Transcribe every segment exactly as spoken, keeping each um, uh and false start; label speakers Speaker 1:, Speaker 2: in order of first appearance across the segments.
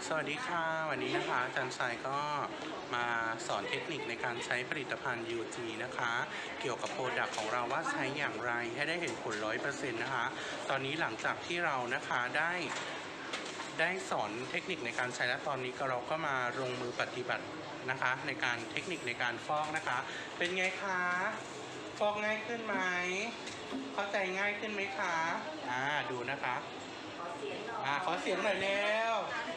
Speaker 1: สวัสดีค่ะวันนี้นะคะอาจารย์ชายก็มาสอนเทคนิคในการใช้ผลิตภัณฑ์ ยู จี นะคะเกี่ยวกับโปรดักต์ของเราว่าใช้อย่างไรให้ได้เห็นผล ร้อยเปอร์เซ็นต์ นะคะตอนนี้หลังจากที่เรานะคะได้ได้สอนเทคนิคในการใช้และตอนนี้ก็เราก็มาลงมือปฏิบัตินะคะในการเทคนิคในการฟอกนะคะเป็นไงคะฟอกง่ายขึ้นไหมเข้าใจง่ายขึ้นไหมคะอ่าดูนะคะอ่าขอเสียงหน่อยแล้ว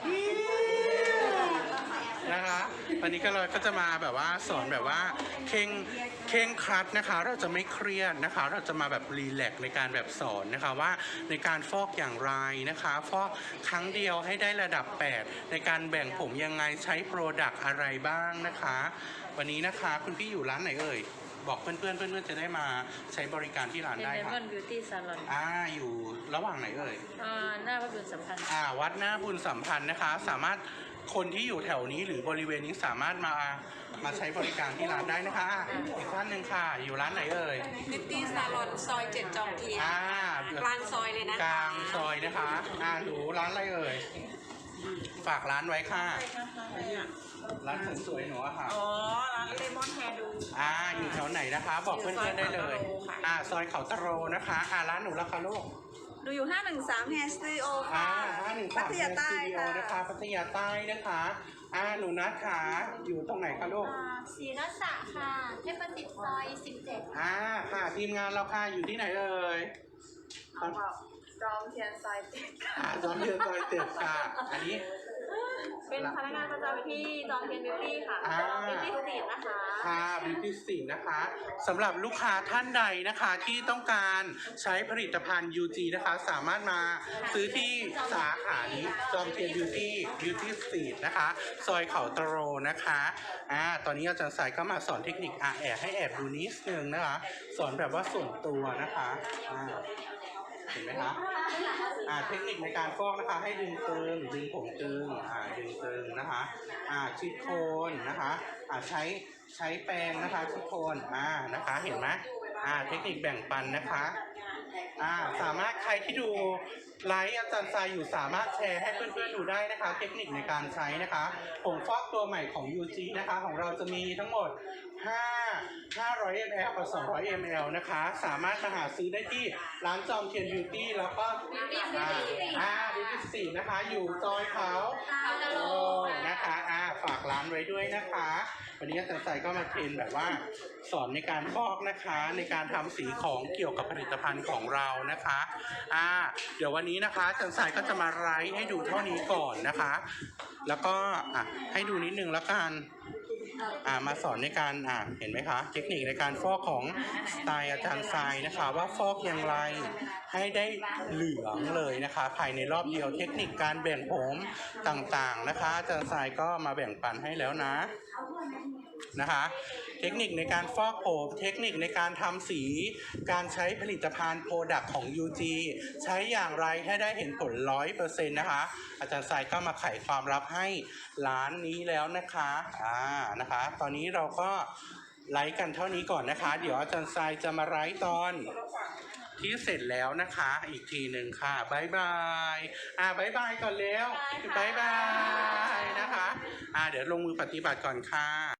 Speaker 1: นะคะวันนี้ก็เราก็จะมาแบบว่าสอนแบบว่าเข่งเข่งครัดนะคะเราจะไม่เครียดนะคะเราจะมาแบบรีแลกซ์ในการแบบสอนนะคะว่าในการฟอกอย่างไรนะคะฟอกครั้งเดียวให้ได้ระดับแปดในการแบ่งผมยังไงใช้โปรดักต์อะไรบ้างนะคะวันนี้นะคะคุณพี่อยู่ร้านไหนเอ่ยบอกเพื่อนเพื่อนเพื่อนเพื่อนจะได้มาใช้บริการที่ร้านได้ค่ะ
Speaker 2: Diamond Beauty Salon
Speaker 1: อ่าอยู่ระหว่างไหนเอ่ย
Speaker 2: อ่าหน้าวัดบุญสัมพันธ์
Speaker 1: อ่าวัดหน้าบุญสัมพันธ์นะคะสามารถคนที่อยู่แถวนี้หรือบริเวณนี้สามารถมามาใช้บริการที่ร้านได้นะคะอ่ะอีกท่านหนึ่งค่ะอยู่ร้านไหนเอ่ย
Speaker 3: Beauty Salon ซอยเจ็ดจอมเทียน
Speaker 1: อ่าก
Speaker 3: ลางซอยเลยนะ
Speaker 1: กลางซอยนะคะอ่าหนูร้านอะไรเอ่ยฝากร้านไว้ค่ะร้านสวยๆหนูอะค่ะ
Speaker 3: อ๋อ ร้านเลมอนแฮร์ดู
Speaker 1: อ่าอยู่แถวไหนนะคะ บอกเพื่อนๆได้เลยอ่าซอยเขาตะโรนะคะอ่าร้านหนูราคาลูก
Speaker 3: ดูอยู่ห้าหนึ่งสาม Hair Studio
Speaker 1: อ่า
Speaker 3: ค่ะ
Speaker 1: ห้าหนึ่ง
Speaker 3: พั
Speaker 1: สาม
Speaker 3: ท
Speaker 1: เ
Speaker 3: ยาใต้
Speaker 1: สตูดิโอ
Speaker 3: ค่ะ
Speaker 1: นะคะพัทยาใต้นะคะอ่าหนูนัทขาอยู่ตรงไหนคะลูก
Speaker 4: ศรีรัศค่ะ เทพประสิทธิ์ซอยสิบเจ็ด
Speaker 1: อ่าค่ะทีมงานเราค่ะอยู่ที่ไหนเอ่ย
Speaker 3: จอมเทียนซอยเจ็ดค่ะ
Speaker 1: อ่าจอมเทียนซอยเจ็ดค่ะอันนี้
Speaker 3: เป็นพนักงานประจำที่จอมเทียนบิวตี้ค่ะ
Speaker 1: อ่า
Speaker 3: บิวตี้สตรีทนะคะ
Speaker 1: ค่ะบิวตี้สีนะคะสำหรับลูกค้าท่านใดนะคะที่ต้องการใช้ผลิตภัณฑ์ ยู จี นะคะสามารถมาซื้อที่สาขานี้จอมเทียนบิวตี้บิวตี้สตรีทนะคะซอยเขาตะโรนะคะอ่าตอนนี้อาจารย์สายก็มาสอนเทคนิคอ่ะแอบให้แอบดูนิดนึงนะคะสอนแบบว่าส่วนตัวนะคะอ่าเห็นไหมคะอ่าเทคนิคในการฟอกนะคะให้ดึงตึงดึงผมตึงอ่าดึงตึงนะคะอ่าชิดโคนนะคะอ่าใช้ใช้แปรงนะคะชิดโคนอ่านะคะเห็นไหมอ่าเทคนิคแบ่งปันนะคะอ่าสามารถใครที่ดูไลฟ์อาจารย์ทรายอยู่สามารถแชร์ให้เพื่อนๆดูได้นะคะเทคนิคในการใช้นะคะผงฟอกตัวใหม่ของ ยู จี นะคะของเราจะมีทั้งหมดห้า ห้าร้อยมิลลิลิตร กับสองร้อยมิลลิลิตร นะคะสามารถมาหาซื้อได้ที่ร้านจอมเทียนบิวตี้แล้วก็อ่าอ่าบิวตี้สี่นะคะอยู่ซอยเขาโอ้นะคะอ่าฝากร้านไว้ด้วยนะคะวันนี้อาจารย์ใส่ก็มาเทรนแบบว่าสอนในการฟอกนะคะในการทำสีของเกี่ยวกับผลิตภัณฑ์ของเรานะคะอ่าเดี๋ยววันนี้นะคะอาจารย์ใส่ก็จะมาไลฟ์ให้ดูเท่านี้ก่อนนะคะแล้วก็อ่ะให้ดูนิดนึงแล้วกันอ่ามาสอนในการอ่าเห็นไหมคะเทคนิคในการฟอกของสไตล์อาจารย์ทรายนะคะว่าฟอกอย่างไรให้ได้เหลืองเลยนะคะภายในรอบเดียวเทคนิคการแบ่งผมต่างๆนะคะอาจารย์ทรายก็มาแบ่งปันให้แล้วนะนะคะเทคนิคในการฟอกผมเทคนิคในการทำสีการใช้ผลิตภัณฑ์โปรดักต์ของ ยู จี ใช้อย่างไรให้ได้เห็นผล ร้อยเปอร์เซ็นต์ นะคะอาจารย์ทรายก็มาไขความลับให้ร้านนี้แล้วนะคะอ่านะคะตอนนี้เราก็ไลฟ์กันเท่านี้ก่อนนะคะเดี๋ยวอาจารย์ทรายจะมาไลฟ์ตอนที่เสร็จแล้วนะคะอีกทีหนึ่งค่ะบายบายอ่าบายบายก่อนแล้วบายบายนะคะอ่าเดี๋ยวลงมือปฏิบัติก่อนค่ะ